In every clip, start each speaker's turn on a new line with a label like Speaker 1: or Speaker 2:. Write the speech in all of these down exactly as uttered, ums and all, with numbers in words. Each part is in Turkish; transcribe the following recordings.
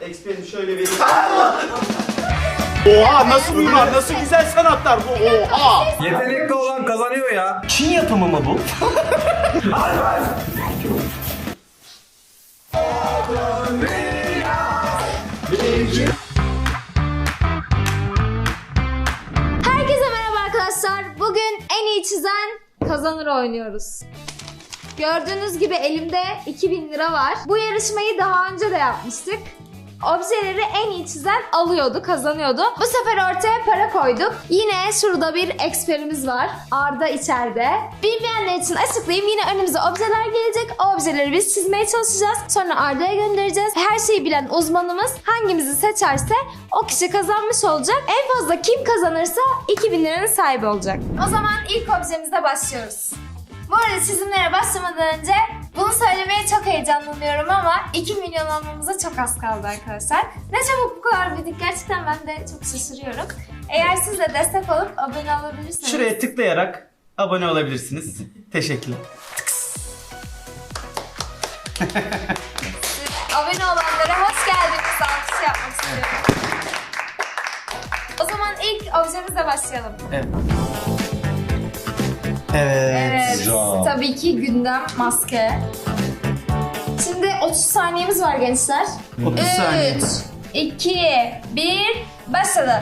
Speaker 1: Expert'im şöyle vereyim. Oha nasıl mimar, nasıl güzel sanatlar bu, oha!
Speaker 2: Yetenekli olan kazanıyor ya.
Speaker 1: Çin yapımı mı bu?
Speaker 3: Herkese merhaba arkadaşlar. Bugün en iyi çizen kazanır oynuyoruz. Gördüğünüz gibi elimde iki bin lira var. Bu yarışmayı daha önce de yapmıştık. Objeleri en iyi çizen alıyordu, kazanıyordu. Bu sefer ortaya para koyduk. Yine şurada bir eksperimiz var. Arda içeride. Bilmeyenler için açıklayayım. Yine önümüze objeler gelecek. O objeleri biz çizmeye çalışacağız. Sonra Arda'ya göndereceğiz. Her şeyi bilen uzmanımız hangimizi seçerse o kişi kazanmış olacak. En fazla kim kazanırsa iki bin liranın sahibi olacak. O zaman ilk objemizle başlıyoruz. Bu arada çizimlere başlamadan önce bunu söylemeye çok heyecanlanıyorum ama iki milyon olmamıza çok az kaldı arkadaşlar. Ne çabuk bu kadar büyüdük, gerçekten ben de çok şaşırıyorum. Eğer siz de destek olup abone olabilirsiniz.
Speaker 1: Şuraya tıklayarak abone olabilirsiniz. Teşekkürler.
Speaker 3: Abone olanlara hoş geldiniz, alkış yapmak istiyorum. O zaman ilk objemizle başlayalım.
Speaker 1: Evet. Evet.
Speaker 3: Evet,
Speaker 2: Güzel.
Speaker 3: tabii ki gündem maske. Şimdi otuz saniyemiz var gençler.
Speaker 1: otuz saniye.
Speaker 3: üç, iki, bir, başladı.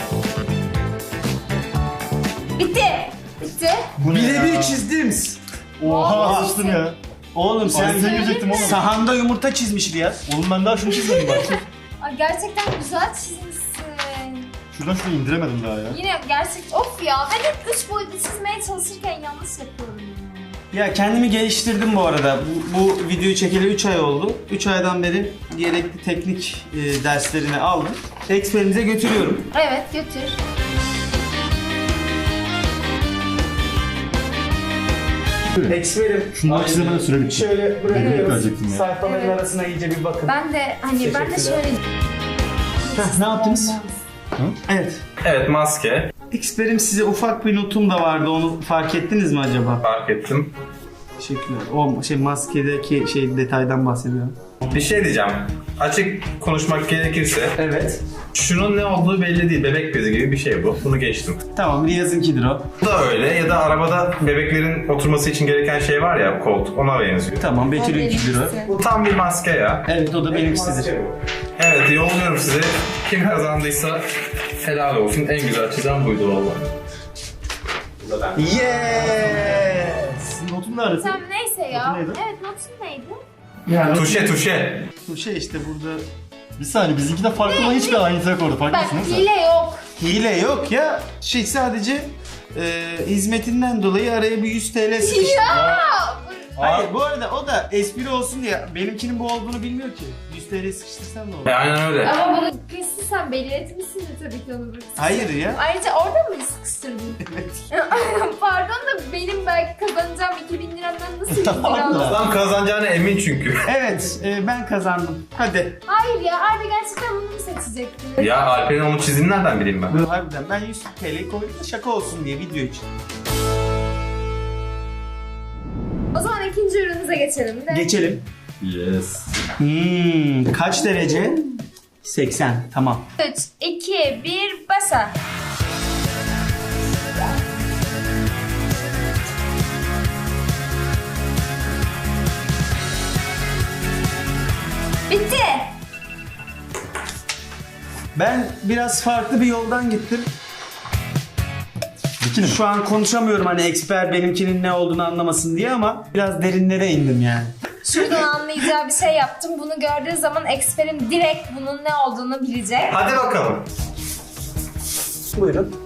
Speaker 3: Bitti. Bitti.
Speaker 1: Birebir çizdim. Oha açtın ya. Oğlum sen
Speaker 4: Sen girecektim oğlum.
Speaker 1: sahanda yumurta çizmiş İlyas.
Speaker 4: Oğlum ben daha şunu çizmedim bak.
Speaker 3: Ay, gerçekten güzel çizmişsin.
Speaker 4: Şuradan şunu indiremedim daha ya.
Speaker 3: Yine gerçek... Of ya, ben hep üç boyutlu çizmeye çalışırken yanlış yapıyorum ya.
Speaker 1: Ya kendimi geliştirdim bu arada. Bu, bu videoyu çekeli üç ay oldu. üç aydan beri gerekli teknik e, derslerini aldım. Eksperimize götürüyorum.
Speaker 3: Evet, götür.
Speaker 1: Eksperim.
Speaker 4: Şunları çizemeden süre bitti.
Speaker 1: Şöyle
Speaker 4: Evet,
Speaker 1: bırakıyoruz.
Speaker 4: verecektim ya.
Speaker 1: Sayfaların
Speaker 3: Evet.
Speaker 1: arasına iyice bir bakın.
Speaker 3: Ben de hani ben de
Speaker 1: Teşekkürler.
Speaker 3: şöyle...
Speaker 1: Heh, ne yaptınız? Evet.
Speaker 2: Evet, maske.
Speaker 1: Eksperim, size ufak bir notum da vardı. Onu fark ettiniz mi acaba?
Speaker 2: Fark ettim.
Speaker 1: Teşekkürler. O şey maskedeki şey detaydan bahsediyorum.
Speaker 2: Bir şey diyeceğim. Açık konuşmak gerekirse
Speaker 1: Evet.
Speaker 2: şunun ne olduğu belli değil. Bebek bezi gibi bir şey bu. Bunu geçtim.
Speaker 1: Tamam, Riyaz'ınkidir o.
Speaker 2: Bu da öyle. Ya da arabada bebeklerin oturması için gereken şey var ya, koltuk. Ona benziyor.
Speaker 1: Tamam, Betül'ünkidir o.
Speaker 3: benimkisi.
Speaker 2: Bu tam bir maske ya.
Speaker 1: Evet, o da benimkisidir.
Speaker 2: Evet, yolluyorum size. Kim kazandıysa helal olsun. En güzel çizen buydu valla.
Speaker 1: Yes!
Speaker 4: Notun nerede?
Speaker 3: Tamam, neyse ya.
Speaker 4: Notu neydi?
Speaker 3: Evet, notun neydi?
Speaker 4: Yani
Speaker 2: Tuşe tuşe.
Speaker 1: Bu şey işte burada
Speaker 4: bir saniye bizimki de farklı ama hiçbir aynısı yok orada.
Speaker 3: Bak,
Speaker 4: Farklısın değil mi sen?
Speaker 3: hile yok.
Speaker 1: hile yok ya. Şey sadece e, hizmetinden dolayı araya bir yüz TL sıkıştı.
Speaker 3: Ya!
Speaker 1: Hayır, bu arada o da espri olsun diye benimkinin bu olduğunu bilmiyor ki. yüz TL sıkıştırsan ne olur?
Speaker 2: E, aynen öyle.
Speaker 3: Ama bunu kesin sen belirtmişsindir tabii ki onu.
Speaker 1: Hayır ya.
Speaker 3: Ayrıca orada mı sıkıştırdın?
Speaker 1: Evet.
Speaker 3: Pardon da benim belki kazanacağım iki bin liramdan nasıl yüz
Speaker 4: Tamam
Speaker 3: lira
Speaker 4: da.
Speaker 3: aldım?
Speaker 2: Adam kazanacağına emin çünkü.
Speaker 1: Evet, e, ben kazandım. Hadi.
Speaker 3: Hayır ya, Arda gerçekten bunu mu seçecekti?
Speaker 2: Ya Alper'in onu çizdiğini nereden bileyim ben?
Speaker 1: Harbiden ben yüz TL'yi koydum da şaka olsun diye video için.
Speaker 3: O zaman ikinci ürünümüze geçelim de.
Speaker 1: Geçelim.
Speaker 4: Yes.
Speaker 1: Hmm, kaç derece? seksen. Tamam.
Speaker 3: üç, iki, bir, başla. Bitti.
Speaker 1: Ben biraz farklı bir yoldan gittim.
Speaker 4: Bikini mi?
Speaker 1: Şu an konuşamıyorum hani eksper benimkinin ne olduğunu anlamasın diye ama biraz derinlere indim yani.
Speaker 3: Şuradan anlayacağı bir şey yaptım. Bunu gördüğü zaman eksperim direkt bunun ne olduğunu bilecek.
Speaker 2: Hadi bakalım.
Speaker 1: Buyurun.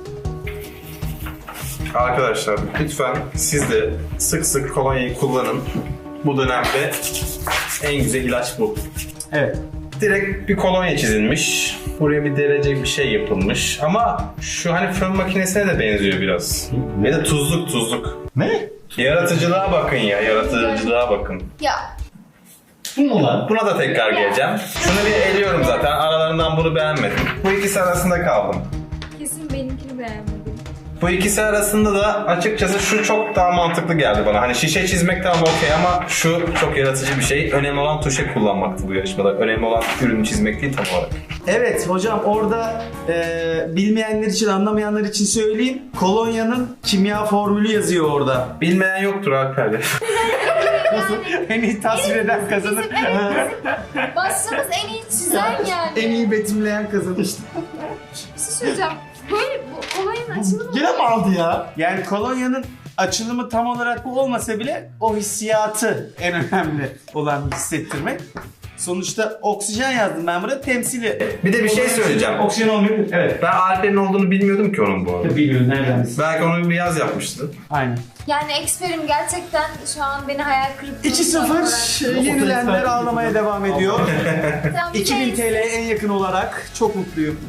Speaker 2: Arkadaşlar lütfen siz de sık sık kolonyayı kullanın. Bu dönemde en güzel ilaç bu.
Speaker 1: Evet.
Speaker 2: Direkt bir kolonya çizilmiş. Buraya bir derece bir şey yapılmış. Ama şu hani fön makinesine de benziyor biraz. Ve de tuzluk tuzluk.
Speaker 4: Ne?
Speaker 2: Yaratıcılığa bakın ya, yaratıcılığa bakın.
Speaker 3: Ya
Speaker 4: Bu mu lan?
Speaker 2: Buna da tekrar geleceğim. Şunu bir eliyorum zaten. Aralarından bunu beğenmedim. Bu ikisi arasında kaldım.
Speaker 3: kesin benimkini beğenmedim.
Speaker 2: Bu ikisi arasında da açıkçası şu çok daha mantıklı geldi bana. Hani şişe çizmek tamam okey ama şu çok yaratıcı bir şey. Önemli olan tuşe kullanmaktı bu yarışmada. Önemli olan ürünü çizmek değil tam olarak.
Speaker 1: Evet hocam orada e, bilmeyenler için, anlamayanlar için söyleyeyim. Kolonyanın kimya formülü yazıyor orada.
Speaker 2: Bilmeyen yoktur Alper'de.
Speaker 1: Nasıl? En iyi tasvir eden kazanır.
Speaker 3: Başımız en iyi çizen yani.
Speaker 1: En iyi betimleyen kazanır.
Speaker 3: Bir şey söyleyeceğim. Böyle bu olayın açılımı.
Speaker 4: Gene mi aldı ya?
Speaker 1: Yani kolonyanın açılımı tam olarak bu olmasa bile o hissiyatı en önemli olan hissettirmek. Sonuçta oksijen yazdım ben buraya temsili.
Speaker 2: Bir de bir şey söyleyeceğim.
Speaker 1: Oksijen olmuyor. Evet.
Speaker 2: Ben Alper'in olduğunu bilmiyordum ki onun bu arada.
Speaker 1: Bilmiyorum nereden.
Speaker 2: Belki onu bir yaz yapmıştı.
Speaker 1: Aynen.
Speaker 3: Yani eksperim gerçekten şu an beni hayal kırıklığına
Speaker 1: iki sıfır yenilenler ağlamaya devam ediyor.
Speaker 3: Tamam, bir
Speaker 1: iki bin
Speaker 3: de-
Speaker 1: T L'ye en yakın olarak çok mutluyum.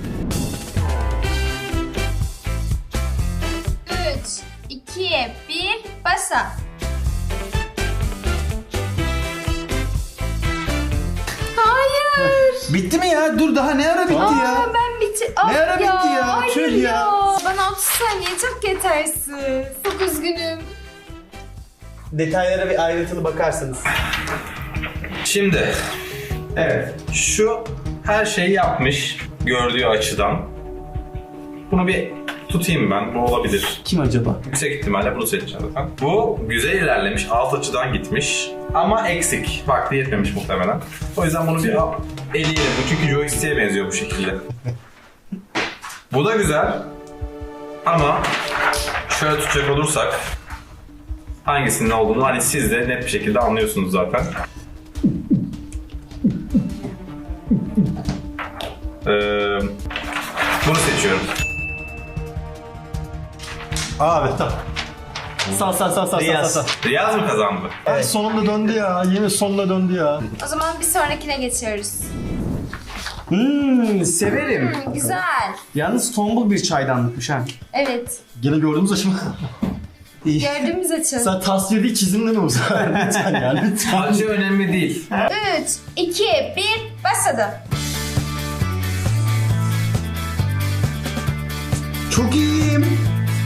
Speaker 3: üç, iki, bir, başla. Hayır.
Speaker 1: Bitti mi ya? Dur daha ne ara bitti
Speaker 3: Aa,
Speaker 1: ya?
Speaker 3: ben bitti. Ah
Speaker 1: Ne ara bitti ya?
Speaker 3: Hayır
Speaker 1: Tüh ya.
Speaker 3: Bana otuz saniye çok yetersiz. Çok üzgünüm.
Speaker 1: Detaylara bir ayrıntılı bakarsanız.
Speaker 2: Şimdi
Speaker 1: Evet.
Speaker 2: şu her şeyi yapmış gördüğü açıdan. Bunu bir tutayım ben. Bu olabilir.
Speaker 1: Kim acaba?
Speaker 2: Yüksek ihtimalle bunu seçeceğim zaten. Bu güzel ilerlemiş. Alt açıdan gitmiş. Ama eksik. Vakti yetmemiş muhtemelen. O yüzden bunu bir al- eleyelim. Bu çünkü joystick'e benziyor bu şekilde. Bu da güzel. Ama şöyle tutacak olursak hangisinin ne olduğunu hani siz de net bir şekilde anlıyorsunuz zaten. Ee, bunu seçiyorum.
Speaker 4: Abi tamam. Sağ sağ sağ sağ sağ
Speaker 1: Riyaz.
Speaker 4: sağ.
Speaker 2: Riyaz mı kazandı?
Speaker 4: Ay sonunda döndü ya. Yemin sonuna döndü ya.
Speaker 3: O zaman bir sonrakine geçiyoruz.
Speaker 1: Hmm, severim.
Speaker 3: Hmm, güzel.
Speaker 1: Yalnız tombul bir çaydanlıkmış ha.
Speaker 3: Evet.
Speaker 4: Gene gördüğümüz aşama.
Speaker 1: İyi.
Speaker 3: Gördüğümüz açı.
Speaker 4: Sen tasvir değil çizimde mi bu sefer? Lütfen ya lütfen.
Speaker 2: Acı önemli değil.
Speaker 3: üç, iki, bir, başladı.
Speaker 1: Çok iyiyim.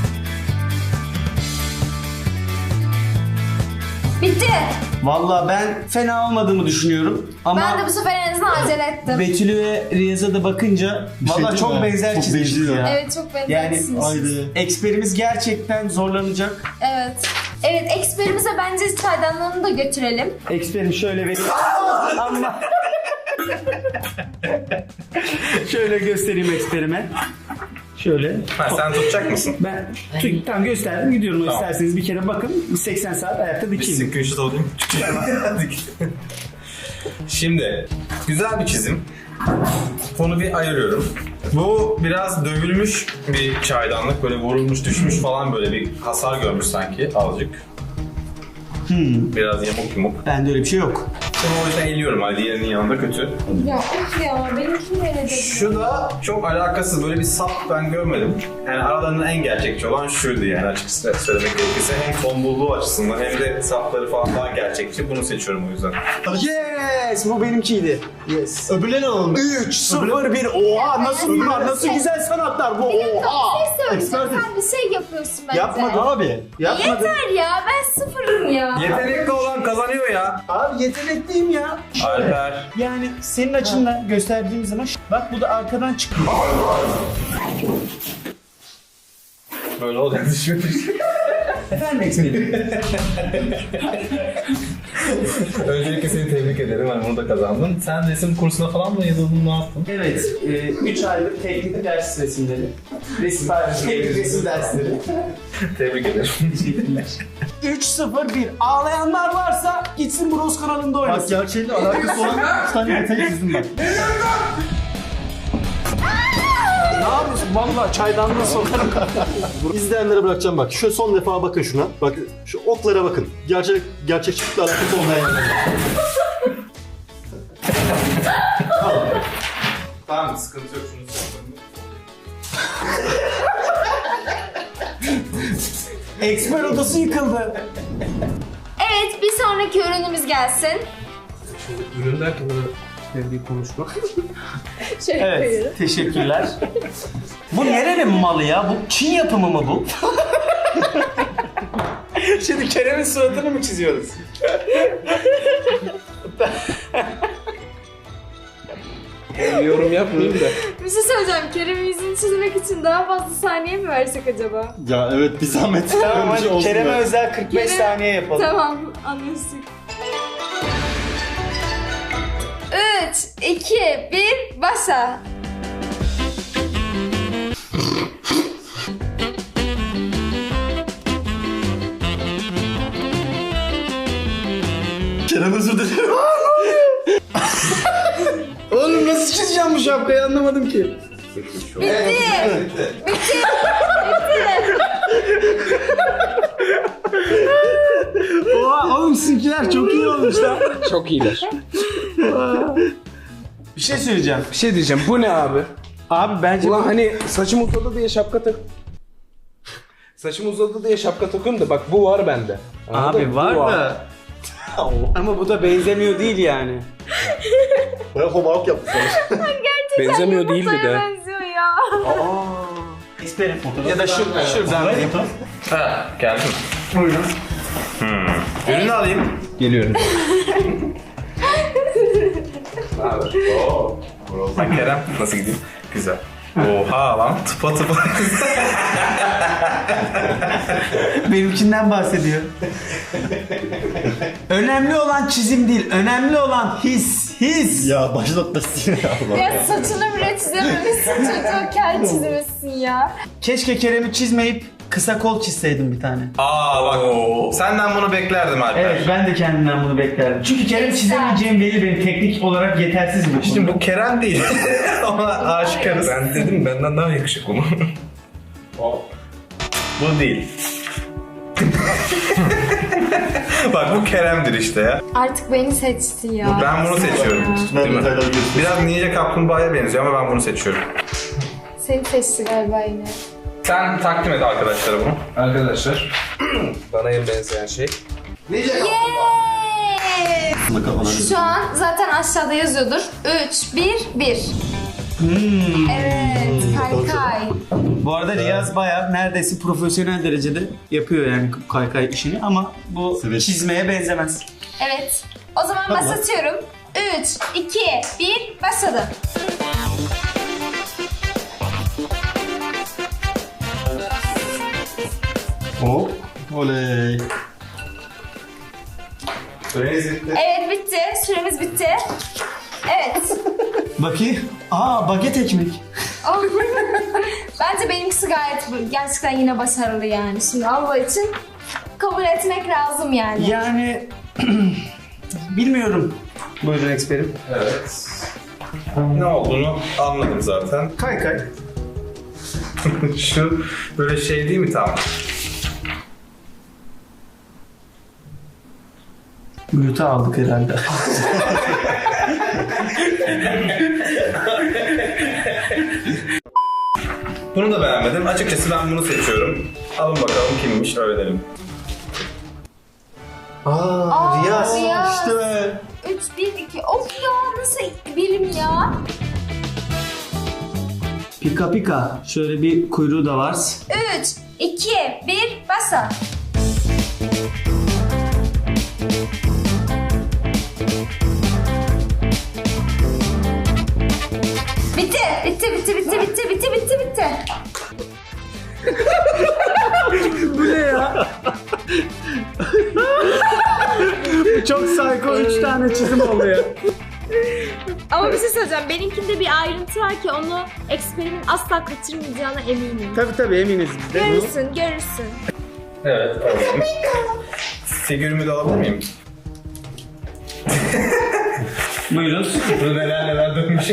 Speaker 3: Bitti.
Speaker 1: Valla ben fena olmadığımı düşünüyorum. Ama
Speaker 3: Ben de bu sefer en azından acele ettim.
Speaker 1: Betül'ü ve Riyaz'a da bakınca
Speaker 4: Bir şey
Speaker 1: valla
Speaker 4: değil
Speaker 1: çok
Speaker 4: mi?
Speaker 1: benzer
Speaker 4: Çok
Speaker 1: çizmişiz
Speaker 4: benziyor.
Speaker 1: ya.
Speaker 3: Evet, çok benzersiniz.
Speaker 4: Haydi.
Speaker 1: Eksperimiz gerçekten zorlanacak.
Speaker 3: Evet. Evet, eksperimize bence çaydanlığını da götürelim.
Speaker 1: Eksperim şöyle vereyim. Ama şöyle göstereyim eksperime. Şöyle.
Speaker 2: Ha, sen tutacak mısın?
Speaker 1: Ben tut, tam gösterdim gidiyorum.
Speaker 2: Tamam.
Speaker 1: İsterseniz bir kere bakın. seksen saat ayakta
Speaker 2: Bir
Speaker 1: dikeyim.
Speaker 2: screenshot alayım. Şimdi güzel bir çizim. Bunu bir ayırıyorum. Bu biraz dövülmüş bir çaydanlık. Böyle vurulmuş, düşmüş falan böyle bir hasar görmüş sanki azıcık.
Speaker 1: Hmm.
Speaker 2: Biraz yamuk yumuk.
Speaker 1: Bende öyle bir şey yok.
Speaker 2: Şimdi o yüzden eliyorum. Hani diğerinin yanında kötü.
Speaker 3: Ya of ya, benimkini öyle dedi.
Speaker 2: Şu da çok alakasız. Böyle bir sap ben görmedim. Yani aralarında en gerçekçi olan şuydu yani açıkçası söylemek gerekirse. Hem tombulluğu açısından hem de sapları falan daha gerçekçi. Bunu seçiyorum o yüzden.
Speaker 1: Yes! Bu benimkiydi. Yes.
Speaker 4: Öbürlerini alalım.
Speaker 1: üç, sıfır, bir. Oha! Nasıl bunlar? Nasıl güzel sanatlar bu?
Speaker 3: Bir dakika,
Speaker 1: Oha!
Speaker 3: bir şey söyleyeceğim.
Speaker 4: Ekspertiz.
Speaker 3: Sen bir şey yapıyorsun bence.
Speaker 1: Yapmadım.
Speaker 4: Abi.
Speaker 1: Yapmadım.
Speaker 3: Yeter ya, ben sıfırım ya.
Speaker 2: Yetenekli olan kazanıyor ya.
Speaker 1: Abi yetenekliyim ya.
Speaker 2: Alper.
Speaker 1: Yani senin açından gösterdiğim zaman bak bu da arkadan çıkıyor.
Speaker 2: Böyle olacak düşünmüş.
Speaker 1: Efendim eksperim.
Speaker 2: Öncelikle seni tebrik ederim. Hani bunu da kazandın. Sen resim kursuna falan mı yazıldın? Ne yaptın?
Speaker 1: Evet, üç aylık teknik ders resimleri. Resim, teknik resim dersleri.
Speaker 2: Tebrik ederim.
Speaker 1: üç sıfır bir. Ağlayanlar varsa gitsin Bros kanalında
Speaker 4: Bak
Speaker 1: oynasın.
Speaker 4: gerçeğiyle alakası olan üç tane detayı çizdim ben.
Speaker 1: Ne yapıyorsun? Valla çaydanlığı sokarım.
Speaker 4: İzleyenlere bırakacağım bak. Şu son defa bakın şuna. Bak şu oklara bakın. Gerçek gerçekçilikle alakası olmayan yerler.
Speaker 2: Tamam sıkıntı yok. Şunu söyleyeyim.
Speaker 1: Eksper odası yıkıldı.
Speaker 3: Evet, bir sonraki ürünümüz gelsin.
Speaker 2: Şimdi ürün derken böyle
Speaker 5: bir konuşma.
Speaker 3: Şöyle
Speaker 1: Evet,
Speaker 3: koyuyorum.
Speaker 1: teşekkürler. Bu nerenin malı ya? Bu Çin yapımı mı bu? Şimdi Kerem'in suratını mı çiziyoruz?
Speaker 5: Bir yorum yapmayayım da.
Speaker 3: Bir şey söyleyeceğim. Kerem'in yüzünü çizmek için daha fazla saniye mi versek acaba?
Speaker 4: Ya evet bir zahmet.
Speaker 1: Tamam
Speaker 4: Öyle bir şey
Speaker 1: hadi
Speaker 4: olsun
Speaker 1: Kerem'e
Speaker 4: ya.
Speaker 1: özel kırk beş
Speaker 3: Kerem-
Speaker 1: saniye yapalım.
Speaker 3: Tamam, anlaştık. üç, iki, bir, başla.
Speaker 4: Kerem özür dilerim.
Speaker 1: Oğlum nasıl çizeceğim bu şapkayı anlamadım ki.
Speaker 3: Bitti. Bitti.
Speaker 1: Oha oğlum sizinkiler çok iyi olmuş lan.
Speaker 5: Çok iyiler.
Speaker 1: Bir şey söyleyeceğim.
Speaker 5: Bir şey diyeceğim. Bu ne abi?
Speaker 1: Abi bence
Speaker 5: Ulan hani saçım uzadı diye şapka tak... Saçım uzadı diye şapka takıyorum da bak bu var bende. Anladın
Speaker 1: Abi
Speaker 5: mı?
Speaker 1: var
Speaker 5: Bu
Speaker 1: da. Ama bu da benzemiyor değil yani.
Speaker 4: Baya homework yaptı sana.
Speaker 5: Benzemiyor değildi
Speaker 3: Yumurtaya
Speaker 5: de.
Speaker 3: benziyor ya.
Speaker 1: İsterim. Ya da şu, şuradan vereyim.
Speaker 2: Ha, geldim. Buyurun. Hmm. Ürünü alayım.
Speaker 5: Geliyorum.
Speaker 2: Bak Kerem, nasıl gidiyor? Güzel. Oha lan, tıpa tıpa.
Speaker 1: Benimkinden bahsediyor. Önemli olan çizim değil, önemli olan his, his.
Speaker 4: Ya baş noktası ya Allah.
Speaker 3: Ya saçını bile çizememişsin, çocuğa kel çizmişsin ya.
Speaker 1: Keşke Kerem'i çizmeyip kısa kol çizseydim bir tane.
Speaker 2: Aa bak, senden bunu beklerdim Alper.
Speaker 1: Evet, ben de kendimden bunu beklerdim. Çünkü Kerem çizemeyeceğim belli, benim teknik olarak yetersiz mi?
Speaker 2: Şimdi bu Kerem değil. Ona aşıkarız.
Speaker 5: Ben dedim benden daha yakışıklı mı?
Speaker 2: Bu değil. Bak bu Kerem'dir işte ya.
Speaker 3: Artık beni seçti ya.
Speaker 2: Ben bunu seçiyorum.
Speaker 4: Ben
Speaker 2: Değil mi?
Speaker 4: detayları görüyorum.
Speaker 2: Biraz Ninja Kaplumbağa'ya benziyor ama ben bunu seçiyorum.
Speaker 3: Seni seçti galiba yine.
Speaker 2: Sen takdim et arkadaşlara bunu.
Speaker 5: Arkadaşlar bana en benzeyen şey.
Speaker 3: Yes!
Speaker 4: Kafana
Speaker 3: Şu an zaten aşağıda yazıyordur. üç, bir, bir.
Speaker 1: Hmm.
Speaker 3: Evet, kaykay.
Speaker 1: Bu arada Riyaz bayağı neredeyse profesyonel derecede yapıyor yani kaykay işini ama bu
Speaker 4: Evet.
Speaker 1: çizmeye benzemez.
Speaker 3: Evet. O zaman
Speaker 4: Tamam.
Speaker 3: başlatıyorum. üç, iki, bir, başladı.
Speaker 4: Hop. Oley.
Speaker 2: Süreniz bitti.
Speaker 3: Evet, bitti. Süremiz bitti. Evet.
Speaker 1: Bakayım. Aa baget ekmek.
Speaker 3: Oh. Bence benimkisi gayet bu- gerçekten yine başarılı yani. Şimdi Allah için kabul etmek lazım yani.
Speaker 1: Yani bilmiyorum. Buyurun eksperim.
Speaker 2: Evet. Ne olduğunu anladım zaten.
Speaker 1: Kaykay.
Speaker 2: Şu böyle şey değil mi tam?
Speaker 1: Müte aldık herhalde.
Speaker 2: Bunu da beğenmedim. Açıkçası ben bunu seçiyorum. Alın bakalım kimmiş öğrenelim.
Speaker 1: Aa,
Speaker 3: Aa,
Speaker 1: Riyaz.
Speaker 3: Riyaz.
Speaker 1: İşte be.
Speaker 3: üç, bir, iki. Of ya nasıl bilim ya?
Speaker 1: Pika pika. Şöyle bir kuyruğu da var.
Speaker 3: üç, iki, bir, basa. Bitti, bitti, bitti, bitti, bitti, bitti, bitti, bitti.
Speaker 1: Bu ne ya? Bu çok psycho üç tane çizim oldu ya.
Speaker 3: Ama bir şey söyleyeceğim. Benimkinde bir ayrıntı var ki onu eksperimin asla kaçırmayacağına eminim.
Speaker 1: Tabii tabii eminiz biz de.
Speaker 3: Görürsün, görürsün.
Speaker 2: Evet, alalım. Figürümü de alabilir miyim?
Speaker 1: Buyurun.
Speaker 2: Burada neler neler dönmüş.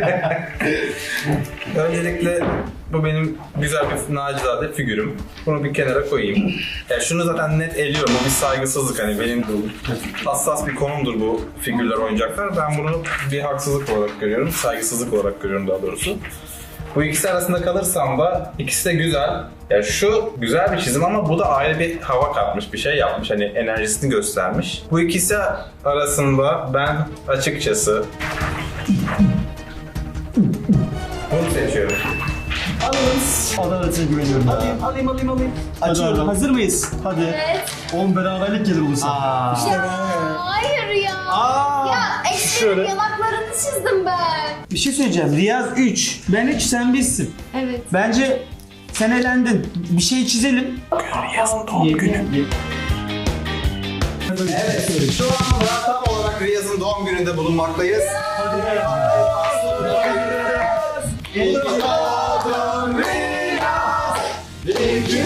Speaker 2: Öncelikle bu benim güzel bir nacizade figürüm. Bunu bir kenara koyayım. Ya şunu zaten net eliyorum. Bu bir saygısızlık hani benim hassas bir konumdur bu figürler, oyuncaklar. Ben bunu bir haksızlık olarak görüyorum. Saygısızlık olarak görüyorum daha doğrusu. Bu ikisi arasında kalırsam da ikisi de güzel. Ya şu güzel bir çizim ama bu da ayrı bir hava katmış, bir şey yapmış. Hani enerjisini göstermiş. Bu ikisi arasında ben açıkçası Bunu seçiyorum.
Speaker 1: Alırız.
Speaker 4: Adaletine güveniyorum ya.
Speaker 1: Alayım alayım alayım alayım.
Speaker 4: Hadi
Speaker 1: Açıyorum.
Speaker 4: bakalım.
Speaker 1: Hazır mıyız?
Speaker 4: Hadi.
Speaker 3: Evet.
Speaker 4: on beraberlik gelir olursa.
Speaker 1: Aa.
Speaker 3: Ya hayır ya.
Speaker 1: Aa.
Speaker 3: Ya eksenin
Speaker 4: şöyle.
Speaker 3: yanaklarını çizdim ben.
Speaker 1: Bir şey söyleyeceğim. Riyaz üç. Ben üç, sen birsin.
Speaker 3: Evet.
Speaker 1: Bence sen elendin. Bir şey çizelim.
Speaker 2: Riyaz'ın doğum günü. Evet, şu anda tam olarak Riyaz'ın doğum gününde bulunmaktayız. İyi ki doğdun Riyaz. İyi ki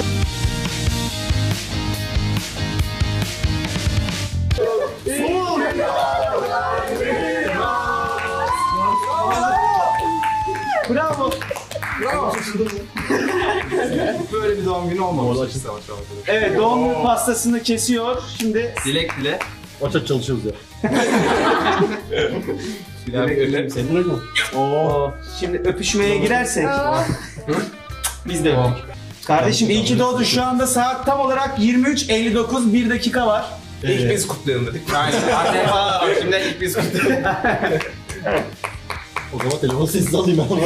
Speaker 1: Bravo.
Speaker 2: böyle bir doğum günü olmamış.
Speaker 1: Evet, doğum günü pastasını kesiyor. Şimdi
Speaker 2: Dilek dile.
Speaker 4: Aç aç çalışıyoruz ya.
Speaker 2: Dilek dile.
Speaker 4: Senin öyle mi?
Speaker 1: Oo. Şimdi öpüşmeye girersek
Speaker 3: Aa,
Speaker 1: biz de öptük. Kardeşim iyi ki doğdun. Şu anda saat tam olarak yirmi üç elli dokuz, bir dakika var.
Speaker 2: İlk biz kutlayalım dedik. Aynen. Anne falan var. Şimdi ilk biz kutlayalım.
Speaker 4: O zaman telefonu sessiz alayım ben.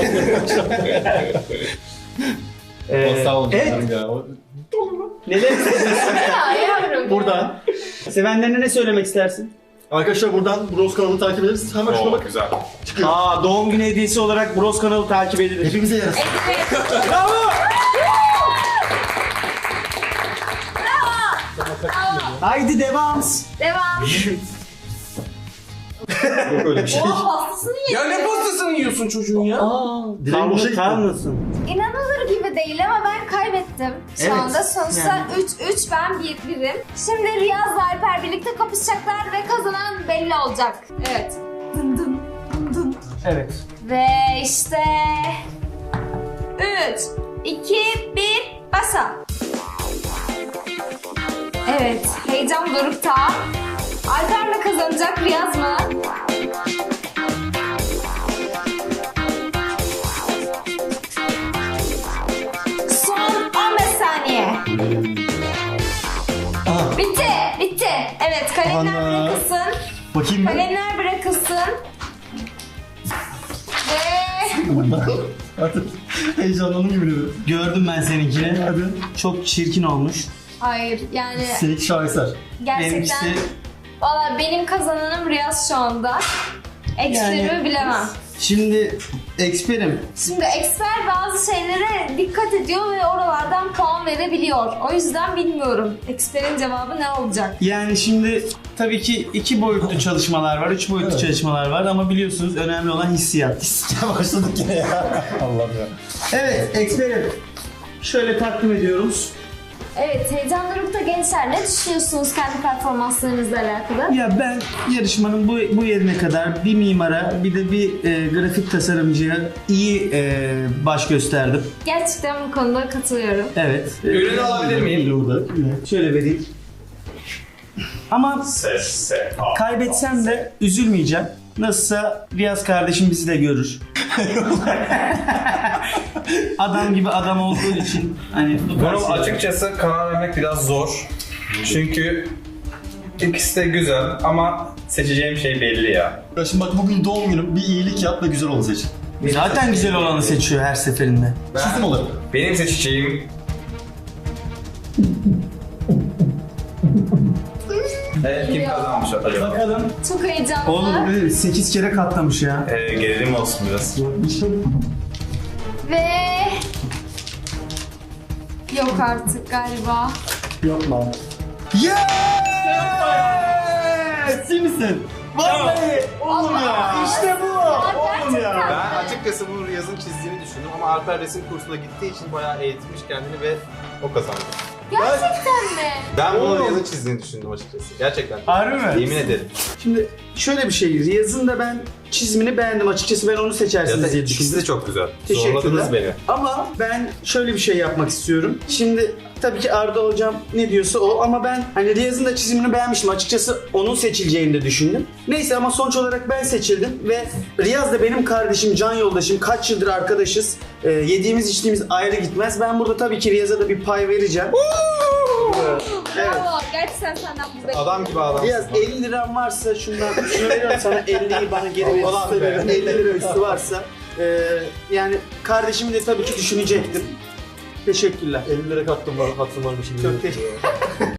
Speaker 1: Ee,
Speaker 4: Sağ olun.
Speaker 1: evet.
Speaker 4: Ya. O-
Speaker 1: Neler hissediyorsun?
Speaker 3: ya yavrum.
Speaker 1: Buradan. Sevenlerine ne söylemek istersin?
Speaker 4: Arkadaşlar buradan Bros kanalını takip ederiz. Hemen şuna bak.
Speaker 2: Güzel.
Speaker 1: Aa, doğum günü hediyesi olarak Bros kanalı takip edilir.
Speaker 4: Hepimize yarasın.
Speaker 1: Bravo! Haydi devam.
Speaker 3: Devam.
Speaker 4: Yok öyle bir şey.
Speaker 3: Oha pastasını
Speaker 5: Ya
Speaker 3: yedim.
Speaker 5: ne pastasını yiyorsun çocuğun ya?
Speaker 1: Aa,
Speaker 4: Dileğin boşa gitti.
Speaker 1: kalmasın.
Speaker 3: İnanılır gibi değil ama ben kaybettim. Şu
Speaker 1: Evet,
Speaker 3: anda sonuçta
Speaker 1: yani.
Speaker 3: üç üç ben bir birim. Şimdi Riyaz'la Alper birlikte kapışacaklar ve kazanan belli olacak. Evet. Dın dın dın dın.
Speaker 1: Evet.
Speaker 3: Ve işte üç, iki, bir, basa. Evet, heyecan dorukta. Alper mi kazanacak, Riyaz mı? Son on beş saniye.
Speaker 4: Aha.
Speaker 3: Bitti, bitti. Evet, kalemler
Speaker 4: Ana.
Speaker 3: bırakılsın.
Speaker 4: Bakayım ben.
Speaker 3: Kalemler bırakılsın. Ve
Speaker 4: Artık heyecanlandım gibi oluyor.
Speaker 1: Gördüm ben seninkini.
Speaker 4: Hadi.
Speaker 1: Çok çirkin olmuş.
Speaker 3: hayır yani
Speaker 4: Seninki şaheser.
Speaker 3: gerçekten
Speaker 1: Benimkisi
Speaker 3: valla benim kazananım Riyaz şu anda. Eksilerimi
Speaker 1: Yani-
Speaker 3: bilemem.
Speaker 1: şimdi eksperim.
Speaker 3: Şimdi eksper bazı şeylere dikkat ediyor ve oralardan puan verebiliyor. O yüzden bilmiyorum. Eksperin cevabı ne olacak?
Speaker 1: Yani şimdi tabii ki iki boyutlu çalışmalar var, üç boyutlu
Speaker 4: Evet.
Speaker 1: çalışmalar var ama biliyorsunuz önemli olan hissiyat.
Speaker 4: Ya başladık yine ya. Allah'ım ya.
Speaker 1: Evet, eksperim. Şöyle takdim ediyoruz.
Speaker 3: Evet, heyecan dorukta gençler ne düşünüyorsunuz kendi performanslarınızla alakalı?
Speaker 1: Ya ben yarışmanın bu, bu yerine kadar bir mimara bir de bir e, grafik tasarımcıya iyi e, baş gösterdim.
Speaker 3: Gerçekten bu konuda katılıyorum.
Speaker 1: Evet.
Speaker 2: Ürünü alabilir miyim?
Speaker 4: Burada.
Speaker 1: Şöyle vereyim. Ama kaybetsem de üzülmeyeceğim. Nasılsa Riyaz kardeşim bizi de görür. Adam gibi adam olduğu için hani
Speaker 2: Bunu açıkçası karar vermek biraz zor. Çünkü ikisi de güzel ama seçeceğim şey belli ya.
Speaker 4: Ya şimdi bak bugün doğum günüm. Bir iyilik yap ve güzel ol seç.
Speaker 1: zaten güzel olanı seçiyor her seferinde.
Speaker 4: Çizim olarak.
Speaker 2: Benim seçeceğim... Evet, kim kazanmış acaba?
Speaker 1: Bakalım.
Speaker 3: Çok heyecanlı.
Speaker 1: Oğlum sekiz kere katlamış ya.
Speaker 2: Ee, gerilim olsun biraz.
Speaker 3: Ve... Yok artık galiba.
Speaker 4: Yapma.
Speaker 1: Yes!
Speaker 4: İyi misin?
Speaker 1: Vallahi oğlum ya. İşte bu.
Speaker 3: Oğlum ya.
Speaker 5: Ben açıkçası bunu Riyaz'ın çizdiğini düşündüm ama Alper resim kursuna gittiği için bayağı eğitmiş kendini ve o kazandı.
Speaker 3: Gerçekten mi?
Speaker 5: Ben bunu
Speaker 1: Oğlum.
Speaker 5: Riyaz'ın çizdiğini düşündüm açıkçası. Gerçekten.
Speaker 1: Harbi mi?
Speaker 5: Yemin ederim.
Speaker 1: Şimdi şöyle bir şey. Riyaz'ın da ben çizimini beğendim. Açıkçası ben onu seçersiniz
Speaker 5: Zaten
Speaker 1: diye
Speaker 5: ikisi
Speaker 1: düşündüm.
Speaker 5: de çok güzel.
Speaker 1: Teşekkürler.
Speaker 5: Zorladınız beni.
Speaker 1: Ama ben şöyle bir şey yapmak istiyorum. Şimdi tabii ki Arda hocam ne diyorsa o ama ben hani Riyaz'ın da çizimini beğenmiştim. Açıkçası onun seçileceğini de düşündüm. Neyse ama sonuç olarak ben seçildim ve Riyaz da benim kardeşim, can yoldaşım. Kaç yıldır arkadaşız. Ee, yediğimiz içtiğimiz ayrı gitmez. Ben burada tabii ki Riyaz'a da bir pay vereceğim. Evet.
Speaker 3: Bravo. Gerçekten senden bu bekliyorum.
Speaker 5: Adam gibi adam.
Speaker 1: Riyaz elli liran varsa şundan şunu veriyorum sana elliyi bana geri ver.
Speaker 5: Ulan be.
Speaker 1: elli lira üstü varsa Ee, yani kardeşimi de tabii ki düşünecektim. Teşekkürler.
Speaker 4: elli lira hattım var, hattım var bir şey.
Speaker 1: Çok teşekkür